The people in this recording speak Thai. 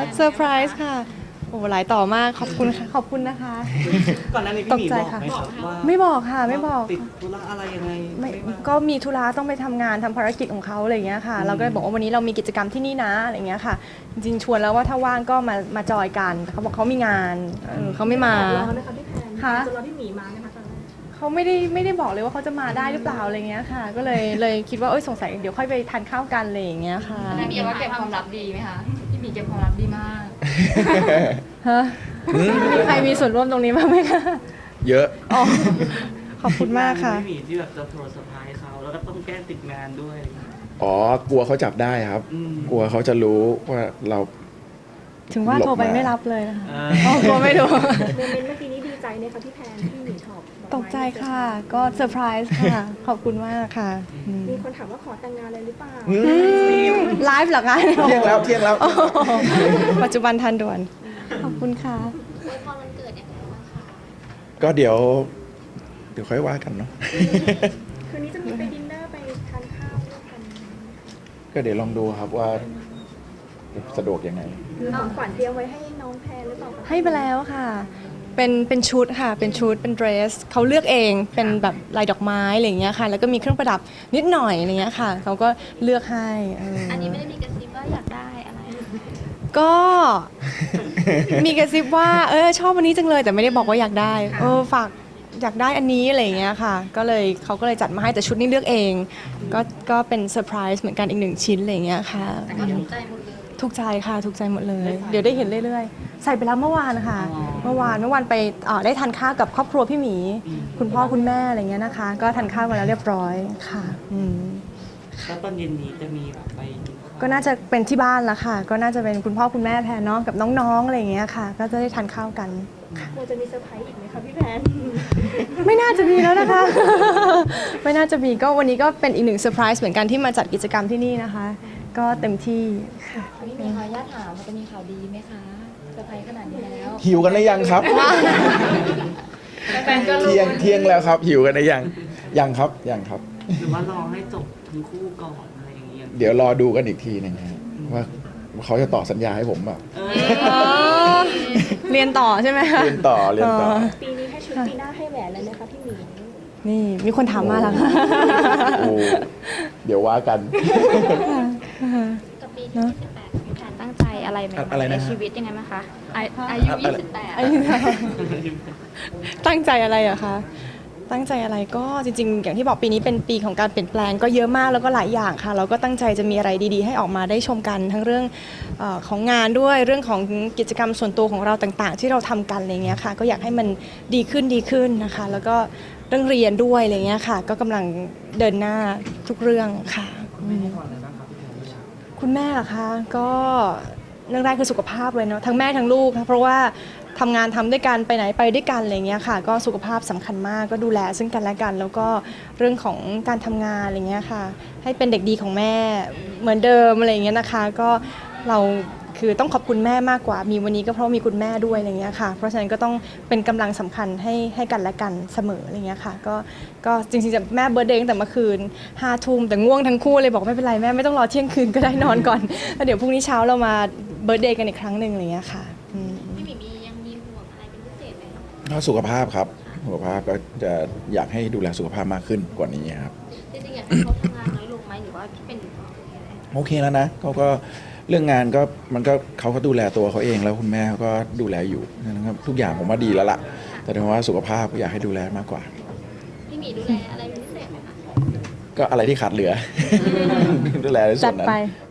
เซอร์ไพรส์ค่ะโอ้หลายต่อมากขอบคุณค่ะขอบคุณนะคะก่อนหน้านี้พี่หมีบอกไหมครับว่าไม่บอกค่ะไม่บอกติดธุระอะไรยังไงไม่ว่าก็มีธุระต้องไปทำงานทำภารกิจของเขาอะไรอย่างเงี้ยค่ะเราก็เลยบอกว่าวันนี้เรามีกิจกรรมที่นี่นะอะไรอย่างเงี้ยค่ะจริงๆชวนแล้วว่าถ้าว่างก็มาจอยกันแต่เขาบอกเขามีงานเขาไม่มารอไหมคะพี่แพนค่ะจะรอพี่หมีมาไหมคะตอนแรกเขาไม่ได้บอกเลยว่าเขาจะมาได้หรือเปล่าอะไรเงี้ยค่ะ ก็เลยคิดว่าสงสัยเดี๋ยวค่อยไปทานข้าวกันอะไรอย่างเงี้ยค่ะพี่หมีว่าเก็บความลับดีไหมคะพี่หมีเก็บความลับดีมากฮะมีใครมีส่วนร่วมตรงนี้บ้างไหมคะเยอะอ๋อขอบคุณมากค่ะพี่หมีที่แบบจะโทรเซอร์ไพรส์เขาแล้วก็ต้องแก้ติดงานด้วยอ๋อกลัวเขาจับได้ครับ กลัวเขาจะรู้ว่าเราถึงว่าหลบโทรไปมาไม่รับเลยนะคะเอออ๋อกลัวไม่รู้โมเมนต์เมื่อกี้นี้ดีใจไหมคะพี่แพนที่พี่หมีชอบดอกไม้ตกใจค่ะ ก็เซอร์ไพรส์ค่ะ ขอบคุณมากค่ะอืมมีคนถามว่าขอแต่งงานเลยหรือเปล่าไลฟ์เหรอคะเที่ยงแล้วเที่ยงแล้วโอ้โหปัจจุบันทันด่วน ขอบคุณค่ะพอวันเกิดยังไงบ้างคะก็เดี๋ยวค่อยว่ากันเนาะคืนนี้จะมีไปดินเนอร์ไปทานข้าวด้วยกันก็เดี๋ยวลองดูครับว่าสะดวกยังไงคือของขวัญเตรียมไว้ให้น้องแพนหรือเปล่าคะให้ไปแล้วค่ะ เป็นชุดค่ะ เป็นชุด เป็นเดรส เขาเลือกเอง เป็นแบบลายดอกไม้อะไรอย่างเงี้ยค่ะ แล้วก็มีเครื่องประดับนิดหน่อยอะไรเงี้ยค่ะ เขาก็เลือกให้อันนี้ไม่ได้มีกระซิบว่าอยากได้อะไร ก็ มีกระซิบว่าชอบวันนี้จังเลย แต่ไม่ได้บอกว่าอยากได้ฝากอยากได้อันนี้อะไรอย่างเงี้ยค่ะ ก็เลยเขาก็เลยจัดมาให้แต่ชุดนี้เลือกเอง ก็เป็นเซอร์ไพรส์เหมือนกันอีกหนึ่งชิ้นอะไรอย่างเงี้ยค่ะแต่ก็ถูกใจหมดเลยถูกใจค่ะถูกใจหมดเลย เดี๋ยวได้เห็นเรื่อยๆ ใส่ไปแล้วเมื่อวานค่ะ เมื่อวานไปได้ทานข้าวกับครอบครัวพี่หมี คุณพ่อคุณแม่อะไรเงี้ยนะคะ ก็ทานข้าวกันแล้วเรียบร้อยค่ะแล้วตอนเย็นนี้จะมีแบบไปกินข้าวก็น่าจะเป็นที่บ้านละค่ะ ก็น่าจะเป็นคุณพ่อคุณแม่แพนเนาะกับน้องๆอะไรอย่างเงี้ยค่ะ ก็จะได้ทานข้าวกันเราจะมีเซอร์ไพรส์อีกไหมคะพี่แพนไม่น่าจะมีแล้วนะคะ ไม่น่าจะมีก็วันนี้ก็เป็นอีกหนึ่งเซอร์ไพรส์เหมือนกันที่มาจัดกิจกรรมที่นี่นะคะ ก็เต็มที่ค่ะพี่หมีขออนุญาตถามว่าจะมีข่าวดีไหมคะเซอร์ไพรส์ขนาดนี้แล้วหิวกันหรือยังครับแฟนก็รู้เที่ยงแล้วครับ หิวกันหรือยังยังครับยังครับหรือว่ารอให้จบทั้งคู่ก่อนอะไรอย่างเงี้ยเดี๋ยวรอดูกันอีกทีหนึงนะว่าเขาจะต่อสัญญาให้ผมแบบเรียนต่อใช่ไหมคะเรียนต่อปีนี้ให้ชุดปีหน้าให้แหวนเลยไหมคะพี่หมีนี่มีคนถามมาแล้วค่ะโอ้เดี๋ยวว่ากันกับปีที่28พี่แพนตั้งใจอะไรใหม่อะไรๆในนะฮะชีวิตยังไงไหมคะอายุ 28 ตั้งใจอะไรอะคะ ตั้งใจอะไรก็จริงๆ อย่างที่บอกปีนี้เป็นปีของการเปลี่ยนแปลงก็เยอะมากแล้วก็หลายอย่างค่ะ เราก็ตั้งใจจะมีอะไรดีๆ ให้ออกมาได้ชมกันทั้งเรื่องของงานด้วยเรื่องของกิจกรรมส่วนตัวของเราต่างๆ ที่เราทำกันอะไรเงี้ยค่ะ ก็อยากให้มันดีขึ้นนะคะ แล้วก็เรื่องเรียนด้วยอะไรเงี้ยค่ะ ก็กำลังเดินหน้าทุกเรื่องค่ะ คุณแม่เหรอคะก็เรื่องแรกคือสุขภาพเลยเนาะทั้งแม่ทั้งลูกค่ะเพราะว่าทำงานทำด้วยกันไปไหนไปด้วยกันอะไรเงี้ยค่ะ ก็สุขภาพสำคัญมากก็ดูแลซึ่งกันและกัน แล้วก็เรื่องของการทำงานอะไรเงี้ยค่ะ ให้เป็นเด็กดีของแม่เหมือนเดิมอะไรเงี้ยนะคะ ก็เราคือต้องขอบคุณแม่มากกว่ามีวันนี้ก็เพราะมีคุณแม่ด้วยอะไรเงี้ยค่ะ เพราะฉะนั้นก็ต้องเป็นกำลังสำคัญให้กันและกันเสมออะไรเงี้ยค่ะก็จริงๆจะแม่เบิร์ธเดย์ตั้งแต่เมื่อคืน5 ทุ่มแต่ง่วงทั้งคู่เลยบอกไม่เป็นไรแม่ไม่ต้องรอเที่ยงคืนก็ได้นอนก่อนแล้วเดี๋ยวพรุ่งนี้เช้าเรามาเบิร์ธเดย์กันอีกครั้งหนึ่งอะไรเงี้ยค่ะพี่หมียังมีห่วงอะไรเป็นพิเศษไหมคะก็สุขภาพครับสุขภาพก็จะอยากให้ดูแลสุขภาพมากขึ้นกว่านี้ครับจริงๆอยากให้เขาทำงานน้อยลงไหมหรือว่าเป็นโอเคแล้วนะเขาก็เรื่องงานก็มันก็เขาก็ดูแลตัวเขาเองแล้วคุณแม่เขาก็ดูแลอยู่นะครับทุกอย่างผมว่าดีแล้วล่ะ แต่ถึงว่าสุขภาพก็อยากให้ดูแลมากกว่าพี่หมีดูแลอะไรเป็นพิเศษไหมคะก็อะไรที่ขาดเหลือ ดูแลในส่จัวดนนั้นไป